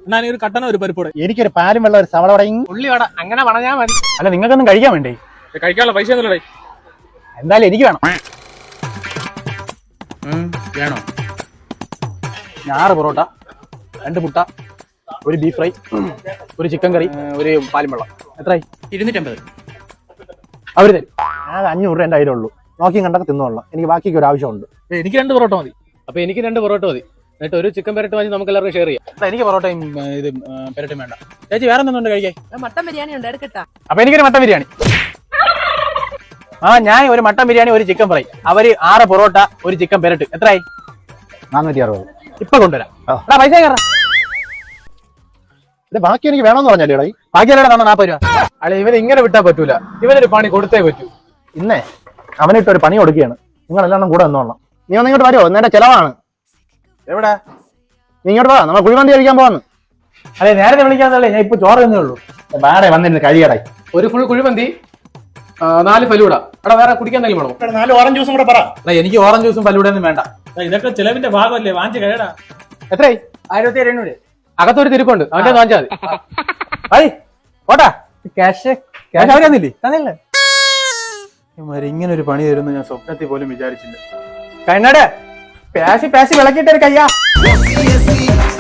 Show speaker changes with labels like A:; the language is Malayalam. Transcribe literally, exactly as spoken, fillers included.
A: എന്നാ ഒരു കട്ടന ഒരു പരിപ്പോടെ.
B: എനിക്കൊരു പാലും വെള്ളം ഒരു സവള വടയും
A: ഉള്ളി വട അങ്ങനെ പറഞ്ഞാൽ മതി.
B: അല്ല നിങ്ങൾക്കൊന്നും കഴിക്കാൻ വേണ്ടേ?
A: കഴിക്കാനുള്ള പൈസ ഒന്നുമില്ലേ?
B: എന്തായാലും എനിക്ക് വേണം.
A: വേണോ?
B: ഞാറ് പൊറോട്ട, രണ്ട് മുട്ട, ഒരു ബീഫ് ഫ്രൈ, ഒരു ചിക്കൻ കറി, ഒരു പാലും വെള്ളം. എത്രയായി?
A: ഇരുന്നൂറ്റമ്പത്.
B: അവര് തരും. ഞാൻ അഞ്ഞൂറ് രൂപ എൻ്റെ കയ്യിലുള്ളൂ. നോക്കിയും കണ്ടൊക്കെ തിന്നോളാം. എനിക്ക് ബാക്കിക്ക് ഒരു ആവശ്യമുണ്ട്.
A: എനിക്ക് രണ്ട് പൊറോട്ട മതി.
C: അപ്പൊ എനിക്ക് രണ്ട് പൊറോട്ട മതി. എന്നിട്ട് ഒരു ചിക്കൻ പെരട്ട് വാങ്ങി നമുക്ക് എല്ലാവർക്കും ഷെയർ ചെയ്യാം.
A: എനിക്ക് പൊറോട്ടയും ഇത് പെരട്ടും വേണ്ട. ചേച്ചി വേറെ എന്തുണ്ട് കഴിക്കാൻ?
D: മട്ടൻ ബിരിയാണി ഉണ്ട്, എടുക്കട്ടാ?
B: അപ്പൊ എനിക്കൊരു മട്ടൻ ബിരിയാണി. ആ ഞാൻ ഒരു മട്ടൻ ബിരിയാണി, ഒരു ചിക്കൻ ഫ്രൈ, അവര് ആറ് പൊറോട്ട, ഒരു ചിക്കൻ പെരട്ട്. എത്രയായി? നാനൂറ്റി അറുപത്. ഇപ്പൊ കൊണ്ടുവരാം. പൈസ കയറാം. ബാക്കി എനിക്ക് വേണമെന്ന് പറഞ്ഞല്ലേ? ബാക്കി അല്ലേ തന്നെ നാൽപ്പത് രൂപ.
C: അല്ല ഇവന് ഇങ്ങനെ വിട്ടാ പറ്റൂല. ഇവനൊരു പണി കൊടുത്തേ പറ്റൂ.
B: ഇന്നേ അവനിട്ടൊരു പണി കൊടുക്കുകയാണ്. നിങ്ങളെല്ലാം കൂടെ വന്നോളാം. നീ ഒന്ന് ഇങ്ങോട്ട് വരുമോ? നേരെ ചെലവാണ്.
C: എവിടെ?
B: നീ ഇങ്ങോട്ട് വാ, നമ്മൾ കുഴിമന്തി കഴിക്കാൻ പോവാന്ന്.
C: അല്ലെ നേരത്തെ വിളിക്കാന്നല്ലേ? ഞാൻ ഇപ്പൊ ചോറ് തന്നേ ഉള്ളൂ.
B: ബാടെ വന്നിരുന്നു കഴിയടായി.
C: ഒരു ഫുൾ കുഴിമന്തി, നാല് ഫലൂട. എടാ വേറെ കുടിക്കാൻ എന്തെങ്കിലും വേണോ?
B: നാല് ഓറഞ്ച് ജ്യൂസും കൂടെ പറ.
A: എനിക്ക് ഓറഞ്ച് ജ്യൂസും ഫലൂടെ ഒന്നും വേണ്ട. ഇതൊക്കെ ചിലവിന്റെ ഭാഗമല്ലേ, വാങ്ങിച്ച് കഴിയടാ.
C: എത്രയായി? ആയിരത്തി എഴുന്നൂറ്. അകത്തൊരു തിരുക്കുണ്ട്, അവന്റെ വാങ്ങിച്ചാൽ മതി.
B: ഓട്ടാ
C: ക്യാഷ്
B: ക്യാഷ് അവര് തന്നില്ലേ?
C: തന്നില്ലേ?
A: ഇങ്ങനെ ഒരു പണി തരുന്നു ഞാൻ സ്വപ്നത്തിൽ പോലും വിചാരിച്ചില്ല.
C: കണ്ണട പാശി പാശി വിളക്കിയിട്ടൊരു കയ്യാ.